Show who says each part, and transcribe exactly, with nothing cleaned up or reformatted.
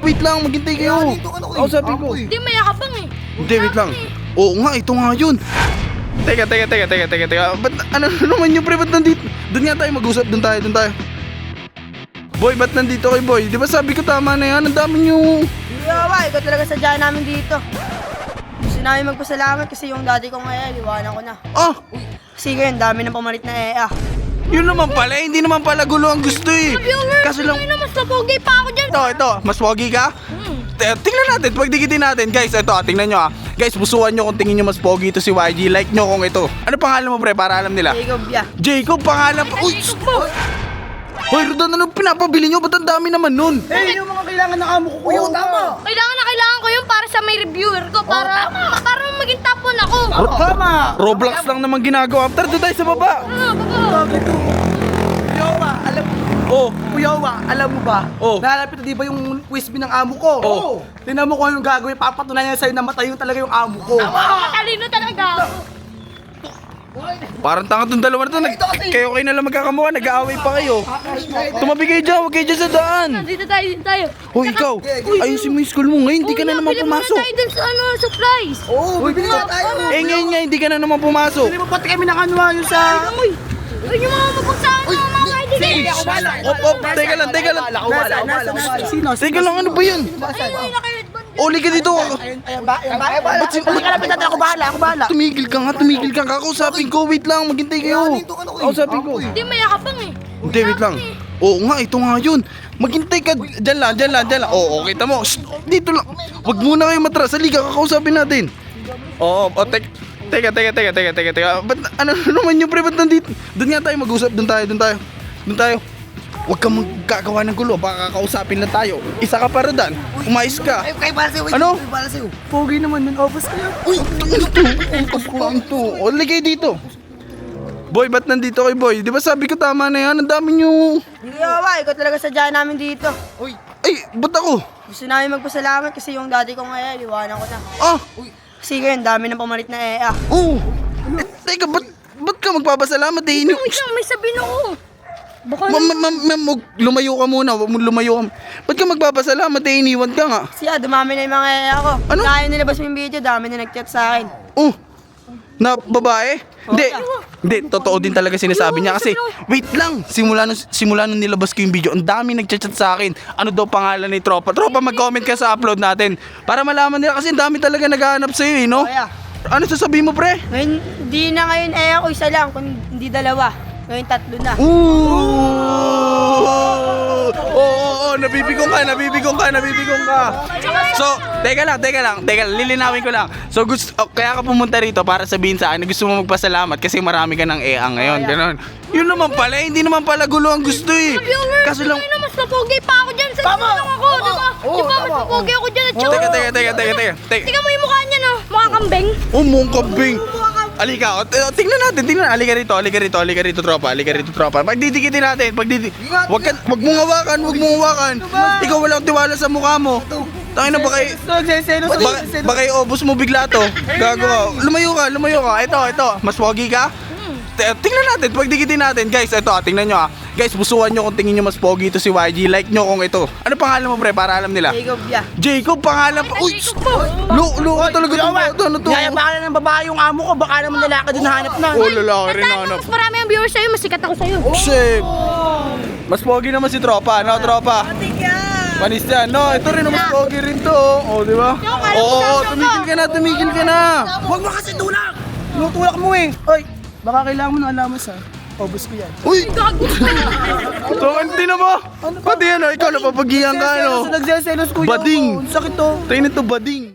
Speaker 1: wait lang, maghintay kayo. Ako sabi ko.
Speaker 2: Hindi, mayakapang eh.
Speaker 1: Hindi, wait lang. Oo nga, ito nga yun. Teka, teka, teka, teka, teka, teka. Ba't, ano naman yung pre, ba't nandito? Doon nga tayo mag-usap, doon tayo, doon tayo. Boy, ba't nandito kay Boy? Di ba sabi ko tama na yan? Ang dami nyo.
Speaker 3: Yawa, ikaw talaga sadya namin dito. Gusto namin magpasalamat kasi yung dati kong E A, liwanan ko na.
Speaker 1: Ah,
Speaker 3: Kasi ngayon, dami ng pamalit na E A.
Speaker 1: yun naman pala, hindi naman pala gulo ang gusto eh. Kaso lang,
Speaker 2: Ano, mas napogi pa ako dyan.
Speaker 1: ito, ito, mas pogi ka? T- Tingnan natin, pagdikitin natin. Guys, ito, ah, tingnan nyo ah. Guys, busuan nyo kung tingin nyo mas pogi ito si Y G. Like nyo kung ito. Ano pangalan mo pre, para alam nila?
Speaker 3: Jacob, ya.
Speaker 1: Jacob, pangalan pa. Uy,
Speaker 2: Jacob mo.
Speaker 1: Hoy, Rodan, anong pinapabili nyo? Ba't ang dami naman nun?
Speaker 4: Eh, yung mga kailangan ng amo ko kuya, tama.
Speaker 2: Kailangan na kailangan ko yun para sa may reviewer ko. Para, para maging top one ako.
Speaker 4: Tama.
Speaker 1: Roblox lang naman ginagawa. After, doon tayo sa baba.
Speaker 2: Ano, baba.
Speaker 4: Kuya Wa, alam
Speaker 1: Oh,
Speaker 4: Kuya Wa, alam mo ba?
Speaker 1: Oh.
Speaker 4: Nalalapit na di ba yung quiz ng amo ko?
Speaker 1: Oh.
Speaker 4: Tingnan mo kung anong gagawin. Papatunayan niya sa'yo na matay yung talaga yung amo ko.
Speaker 2: Matalino talaga ako.
Speaker 1: parang tanga tong dalawa na to. Nag- kayo kayo na lang magkakamuha. Nag-aaway pa kayo. Tumabi kayo dyan. Huwag kayo dyan sa daan.
Speaker 2: Dito tayo, dito tayo.
Speaker 1: Hoy, ikaw. Ayusin mo yung school mo. Ngayon, hindi ka na naman
Speaker 2: Bili muna
Speaker 1: pumasok.
Speaker 2: tayo dun sa ano, supplies.
Speaker 4: Oo, bibili na tayo.
Speaker 1: Eh, ngayon nga, hindi ka na naman pumasok.
Speaker 4: Hindi mo pati kami ng ano ah, yung sa...
Speaker 2: Uy, uy, yung mga mapagsahan ng mga kaibigan.
Speaker 4: Ako bala.
Speaker 1: Op, op, teka lang, teka lang.
Speaker 4: Ako bala, ako bala. Sino?
Speaker 1: Teka lang, ano ba yun?
Speaker 2: Ay, ay, naka-headband.
Speaker 1: Oli ka dito.
Speaker 4: Ayan ba? Ayan ba? Ba't si... Hindi ka lapit natin. Ako bahala, ako bahala.
Speaker 1: Tumigil ka nga, tumigil ka. Kakausapin ko. Wait lang, maghintay kayo. Kausapin ko.
Speaker 2: Hindi, mayakapang eh.
Speaker 1: Hindi, wait lang. Oo nga, ito nga yun. Maghintay ka. Diyan lang, diyan lang, diyan lang. Oo, kita mo. Shh, dito lang. Wag muna kayo matras. Halika, kakausapin natin. Oo, oh, tek. Teka, teka, teka, teka, teka, teka. Ba't, ano naman yung pre, ba't nandito? Doon nga tayo mag-usap. Doon tayo, doon tayo. Doon tayo. Huwag kang magkagawa ng gulo. Baka kakausapin lang tayo. Isa ka para dan. Umayos ka.
Speaker 4: Ay, kay para sa'yo.
Speaker 1: Ano?
Speaker 4: Kay para sa'yo. Pogi naman nun. Obos kayo.
Speaker 1: Uy, ano to? Ang kulang to. O, ligay dito. Boy, ba't nandito kay Boy? Di ba sabi ko tama na yan? Ang dami nyo.
Speaker 3: Yawa, ikaw talaga sadya namin dito.
Speaker 1: Ay, ba't ako?
Speaker 3: Gusto namin magpasalamat kasi yung dati kong E A, liwanan ko na.
Speaker 1: Ah,
Speaker 3: Kasi ngayon, dami ng pamalit na E A.
Speaker 1: oo. Eh, teka, ba't, ba't ka magpapasalamat eh? Ini-
Speaker 2: Wait lang, may sabihin ako. Baka
Speaker 1: Ma, ma, ma, ma, wag- lumayo ka muna, wag mo lumayo ka. Ba't ka magpapasalamat eh? Iniwan ka nga.
Speaker 3: Kasi ah, dumami na yung mga E A ko.
Speaker 1: Ano?
Speaker 3: Kaya nilabas mo yung video, dami na nag-chat sa akin.
Speaker 1: Oh, na babae? Hindi, hindi, totoo din talaga sinasabi niya kasi, wait lang, simula nung, simula nung nilabas ko yung video, ang dami nagchat-chat sa akin. Ano daw pangalan ni Tropa? Tropa, mag-comment ka sa upload natin para malaman nila kasi ang dami talaga naghahanap sa'yo eh, no?
Speaker 3: Kaya,
Speaker 1: Ano sasabihin mo, pre?
Speaker 3: ngayon, hindi na ngayon E A ko isa lang, kung hindi dalawa. Ngayon tatlo na.
Speaker 1: Ooh! Oo, oo, oo, nabibigong ka, nabibigong ka, nabibigong ka. So, teka lang, teka lang, teka lang, lilinawin ko lang. So, gusto, oh, kaya ka pumunta rito para sabihin sa akin na gusto mo magpasalamat kasi marami ka ng E A ngayon, gano'n. Yun naman pala, hindi naman pala gulo ang gusto eh. Kaso lang,
Speaker 2: Ay, mas napogi pa ako dyan. Sa tama. Lang ako, di ba? Di ba, mas napogi ako dyan. At
Speaker 1: teka, teka, teka, teka, teka, teka.
Speaker 2: Tingnan mo yung mukha niya, no? Mukha kambing.
Speaker 1: Oh, mong kabing. Alika, o, t- o, tingnan natin, tingnan. Alika rito, alika rito, alika rito, tropa, alika rito, tropa. Pagdidikitin natin, pagdidik... Wag ka, wag mong hawakan, wag mong hawakan. Ikaw walang tiwala sa mukha mo. Tangin na baka...
Speaker 4: Nagseselo sa
Speaker 1: Baka, baka i-obos mo bigla to. Gago ka. Lumayo ka, lumayo ka. Ito, ito. Mas pogi ka? T- Tingnan natin, pagdikitin natin. Guys, ito, ah, tingnan nyo ah. Guys, busuan nyo kung tingin nyo mas pogi ito si Y G. Like nyo kung ito. Ano pangalan mo, pre, para alam nila?
Speaker 3: Jacob, ya.
Speaker 1: Jacob, pangalan pa. Uy,
Speaker 2: Jacob mo.
Speaker 1: lo, lo, talaga itong bata na to.
Speaker 4: Yayabakan na ng babae yung amo ko. Baka naman lalaki din hanap na.
Speaker 1: Oh, lalaki rin
Speaker 2: Tandaan mo,
Speaker 1: hanap.
Speaker 2: mas marami ang viewers sa'yo, mas sikat ako sa'yo.
Speaker 1: Shit. Mas pogi naman si tropa, no, tropa? Panis yan. No, ito rin, mas pogi rin to. Oh, di ba? Oo, oh, oh, tumigil ka na, tumigil ka na.
Speaker 4: Huwag mo kasi tulak! Tinutulak mo eh. Oy, baka kailangan mo ng alamas ha. Obos ko yan.
Speaker 1: Uy! So, hindi na mo? Pati ano, ikaw napapagiyan ka, ano?
Speaker 4: Nagseselos kuya.
Speaker 1: Bading.
Speaker 4: Sakit to.
Speaker 1: Tayo nito, bading.